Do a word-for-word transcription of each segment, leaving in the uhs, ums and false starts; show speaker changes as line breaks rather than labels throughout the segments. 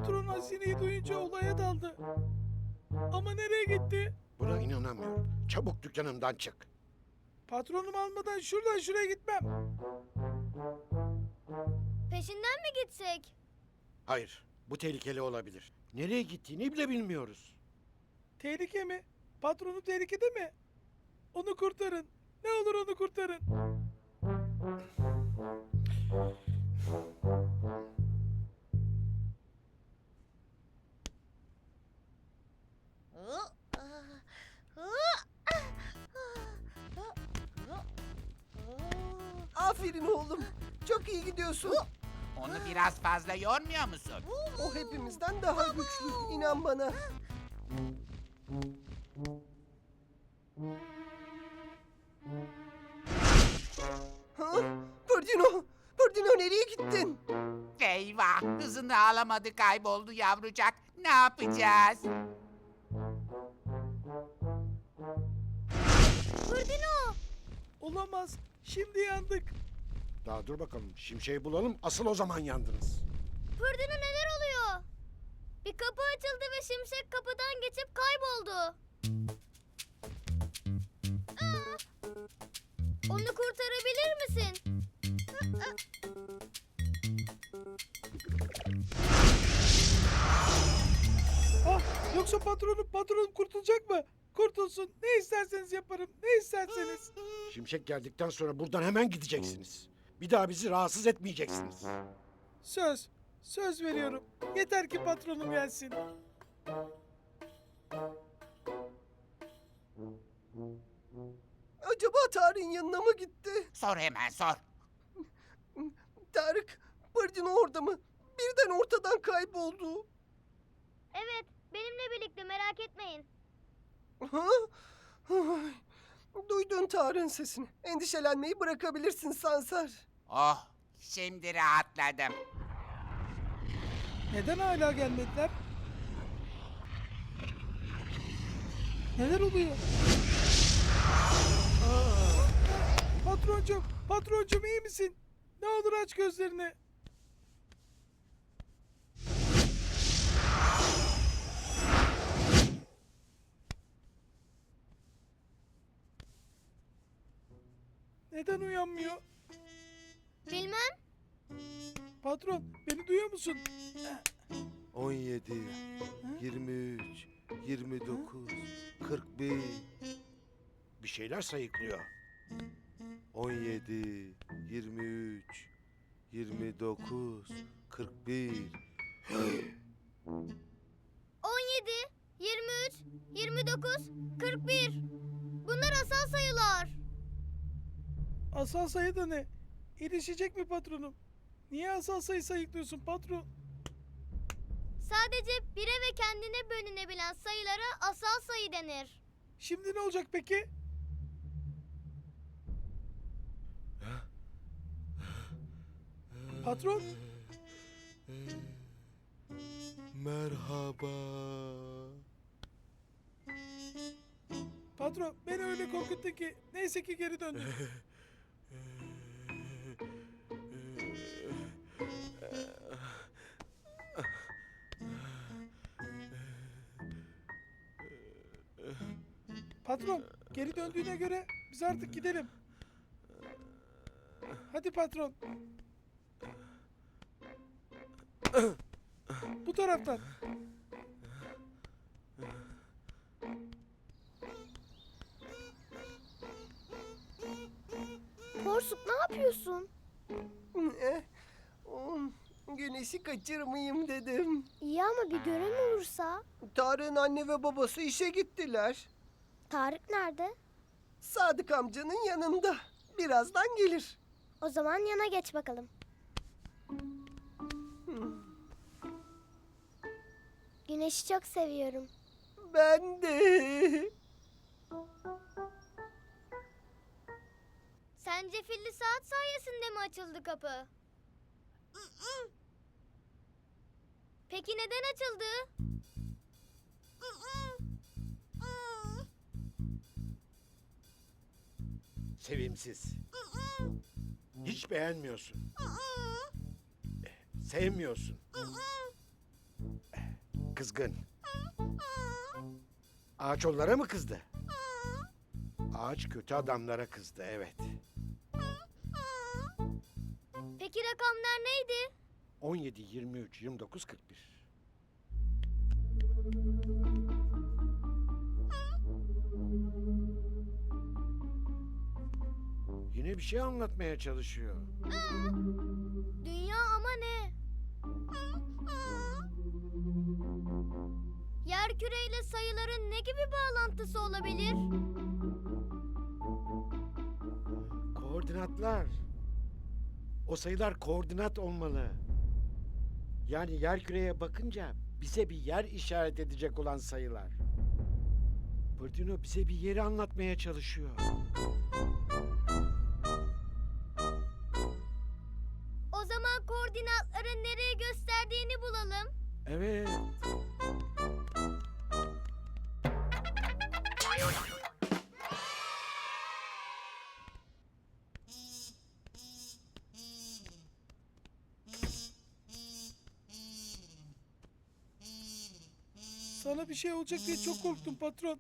Patron hazineyi duyunca olaya daldı. Ama nereye gitti?
Buna inanamıyorum. Çabuk dükkanımdan çık.
Patronum almadan şuradan şuraya gitmem.
Peşinden mi gitsek?
Hayır, bu tehlikeli olabilir. Nereye gittiğini bile bilmiyoruz.
Tehlike mi? Patronu tehlikede mi? Onu kurtarın. Ne olur onu kurtarın.
Aferin oğlum. Çok iyi gidiyorsun.
Onu biraz fazla yormuyor musun?
O hepimizden daha güçlü. İnan bana. Ha? Pırdino! Pırdino nereye gittin?
Eyvah! Hızını alamadı, kayboldu yavrucak. Ne yapacağız?
Fırdino!
Olamaz. Şimdi yandık.
Daha dur bakalım. Şimşeği bulalım. Asıl o zaman yandınız.
Fırdino neler oluyor? Bir kapı açıldı ve Şimşek kapıdan geçip kayboldu. Aa! Onu kurtarabilir misin?
Ah, yoksa patronum patronum kurtulacak mı? Kurtulsun. Ne isterseniz yaparım. Ne isterseniz.
Şimşek geldikten sonra buradan hemen gideceksiniz. Bir daha bizi rahatsız etmeyeceksiniz.
Söz. Söz veriyorum. Yeter ki patronum gelsin.
Acaba Tarık'ın yanına mı gitti?
Sor hemen sor.
Tarık, Pırdino orada mı? Birden ortadan kayboldu.
Evet, benimle birlikte merak etmeyin.
Ha? Ay, duydun Tarık'ın sesini. Endişelenmeyi bırakabilirsin Sansar.
Oh, şimdi rahatladım.
Neden hala gelmediler? Neler oluyor? Aa! Patroncum, patroncum iyi misin? Ne olur aç gözlerini. Neden uyanmıyor?
Bilmem.
Patron, beni duyuyor musun?
on yedi, yirmi üç, yirmi dokuz, kırk bir,
Bir şeyler sayıklıyor.
on yedi, yirmi üç, yirmi dokuz, kırk bir.
on yedi, yirmi üç, yirmi dokuz, kırk bir. Bunlar asal sayılar.
Asal sayı da ne? İlişecek mi patronum? Niye asal sayı sayıklıyorsun patron?
Sadece bire ve kendine bölünebilen sayılara asal sayı denir.
Şimdi ne olacak peki? Patron,
Merhaba.
patron beni öyle korkuttun ki neyse ki geri döndün. Patron, geri döndüğüne göre biz artık gidelim. Hadi patron. Bu taraftan.
Porsuk ne yapıyorsun?
Eh, um, Güneşi kaçırmayayım dedim.
İyi ama bir gören olursa.
Tarık'ın anne ve babası işe gittiler.
Tarık nerede?
Sadık amcanın yanında. Birazdan gelir.
O zaman yana geç bakalım. Güneşi çok seviyorum.
Ben de.
Sence filli saat sayesinde mi açıldı kapı? Peki neden açıldı?
Sevimsiz. Hiç beğenmiyorsun. Sevmiyorsun. Kızgın. Ağaç onlara mı kızdı? Ağaç kötü adamlara kızdı, evet.
Peki rakamlar neydi?
on yedi, yirmi üç, yirmi dokuz, kırk bir. Yine bir şey anlatmaya çalışıyor.
Dünya ama ne? Yerküre ile sayıların ne gibi bağlantısı olabilir?
Koordinatlar. O sayılar koordinat olmalı. Yani yerküreye bakınca bize bir yer işaret edecek olan sayılar. Pırdino bize bir yeri anlatmaya çalışıyor.
O zaman koordinatların nereye gösterdiğini bulalım.
Evet.
Sana bir şey olacak diye çok korktum patron.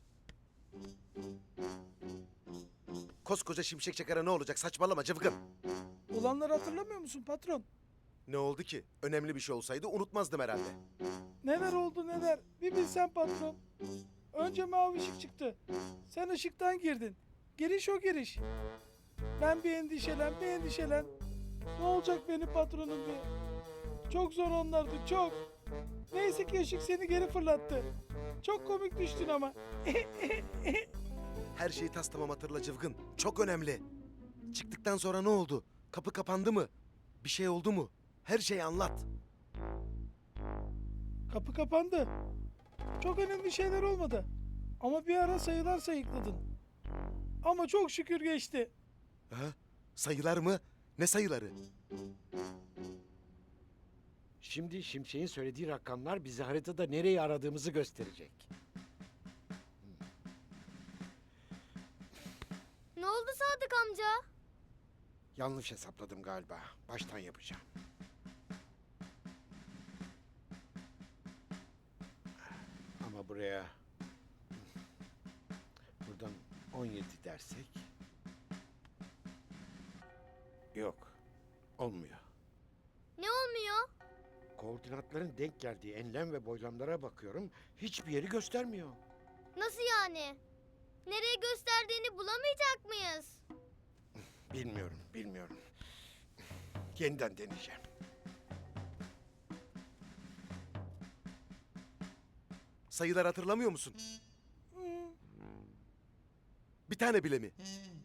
Koskoca şimşek çakara ne olacak? Saçmalama cıvgın.
Olanları hatırlamıyor musun patron?
Ne oldu ki? Önemli bir şey olsaydı unutmazdım herhalde.
Neler oldu neler. Bir bilsen patron. Önce mavi ışık çıktı. Sen ışıktan girdin. Giriş o giriş. Ben bir endişelen bir endişelen. Ne olacak benim patronum diye. Çok zor onlardı çok. Neyse ki ışık seni geri fırlattı. Çok komik düştün ama.
Her şeyi tas tamam hatırla cıvgın. Çok önemli. Çıktıktan sonra ne oldu? Kapı kapandı mı? Bir şey oldu mu? Her şeyi anlat.
Kapı kapandı. Çok önemli şeyler olmadı. Ama bir ara sayılar sayıkladın. Ama çok şükür geçti.
Ha? Sayılar mı? Ne sayıları?
Şimdi Şimşek'in söylediği rakamlar bize haritada nereyi aradığımızı gösterecek.
Ne oldu Sadık amca?
Yanlış hesapladım galiba. Baştan yapacağım. Ama buraya... Buradan on yedi dersek... Yok. Olmuyor.
Ne olmuyor?
Koordinatların denk geldiği enlem ve boylamlara bakıyorum. Hiçbir yeri göstermiyor.
Nasıl yani? Nereye gösterdiğini bulamayacak mıyız?
Bilmiyorum, bilmiyorum. Yeniden deneyeceğim.
Sayılar hatırlamıyor musun? Bir tane bile mi?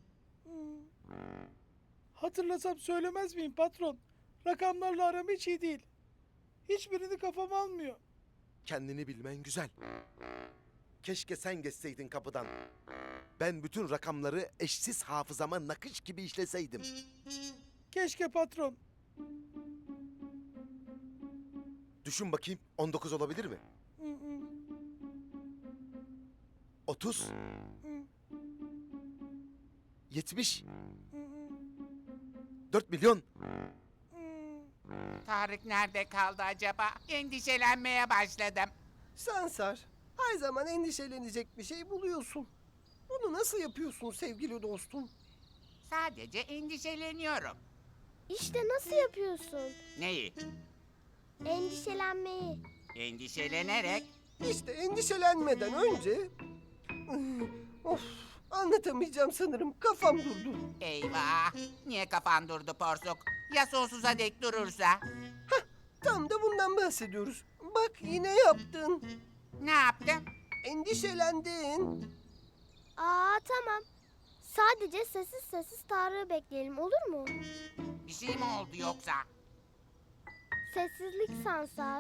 Hatırlasam söylemez miyim patron? Rakamlarla aram hiç iyi değil. Hiçbirini kafam almıyor.
Kendini bilmen güzel. Keşke sen geçseydin kapıdan. Ben bütün rakamları eşsiz hafızama nakış gibi işleseydim.
Keşke patron.
Düşün bakayım, on dokuz olabilir mi?
Hı hı,
otuz,
hı,
yetmiş,
hı hı,
dört milyon.
hı.
Tarık nerede kaldı acaba? Endişelenmeye başladım.
Sansar, her zaman endişelenecek bir şey buluyorsun. Bunu nasıl yapıyorsun sevgili dostum?
Sadece endişeleniyorum.
İşte nasıl yapıyorsun?
Neyi?
Endişelenmeyi.
Endişelenerek.
İşte endişelenmeden önce... Of, anlatamayacağım sanırım. Kafam durdu.
Eyvah! Niye kafan durdu porsuk? Ya sonsuza dek durursa?
Tam da bundan bahsediyoruz. Bak yine yaptın.
Ne yaptım?
Endişelendin.
Aa tamam. Sadece sessiz sessiz Tarık'ı bekleyelim olur mu?
Bir şey mi oldu yoksa?
Sessizlik Sansar.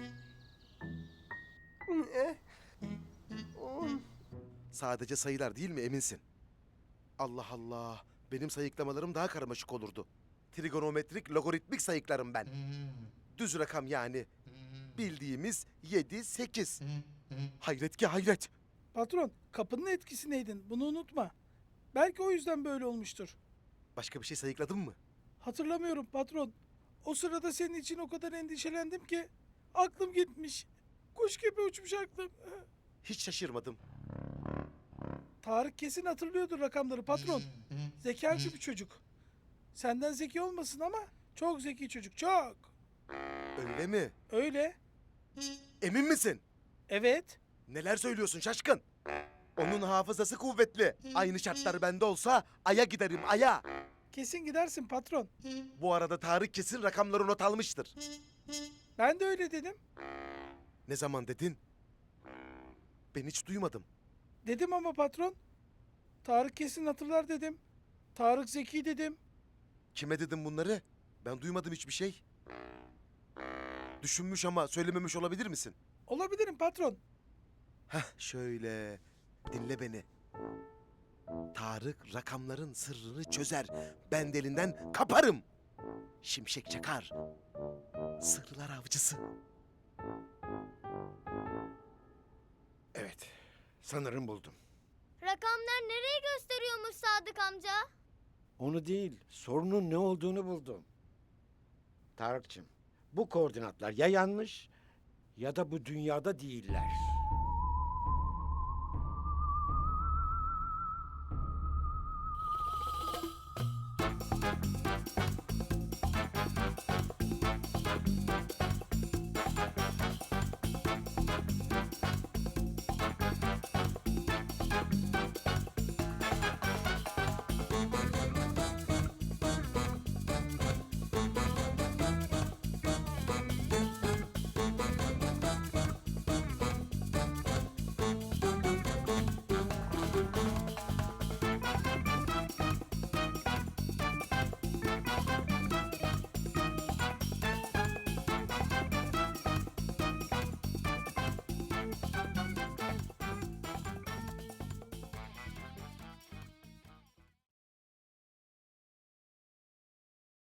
Ne? Oh,
Sadece sayılar değil mi eminsin? Allah Allah. Benim sayıklamalarım daha karmaşık olurdu. Trigonometrik, logaritmik sayıklarım ben. Düz rakam yani. Bildiğimiz yedi, sekiz. Hayret ki hayret.
Patron, kapının etkisindeydin. Bunu unutma. Belki o yüzden böyle olmuştur.
Başka bir şey sayıkladın mı?
Hatırlamıyorum patron. O sırada senin için o kadar endişelendim ki Aklım gitmiş. Kuş gibi uçmuş aklım.
Hiç şaşırmadım.
Tarık kesin hatırlıyordur rakamları patron. Zekâcı bir çocuk. Senden zeki olmasın ama çok zeki çocuk, çok.
Öyle mi?
Öyle.
Emin misin?
Evet.
Neler söylüyorsun şaşkın? Onun hafızası kuvvetli. Aynı şartlar bende olsa aya giderim aya.
Kesin gidersin patron.
Bu arada Tarık kesin rakamları not almıştır.
Ben de öyle dedim.
Ne zaman dedin? Ben hiç duymadım.
Dedim ama patron. Tarık kesin hatırlar dedim. Tarık zeki dedim.
Kime dedim bunları? Ben duymadım hiçbir şey. Düşünmüş ama söylememiş olabilir misin?
Olabilirim patron.
Heh şöyle. Dinle beni. Tarık rakamların sırrını çözer. Ben de elinden kaparım. Şimşek çakar. Sırlar avcısı.
Evet, sanırım buldum.
Rakamlar nereye gösteriyormuş Sadık amca?
Onu değil, sorunun ne olduğunu buldum. Tarık'cığım, bu koordinatlar ya yanlış ya da bu dünyada değiller.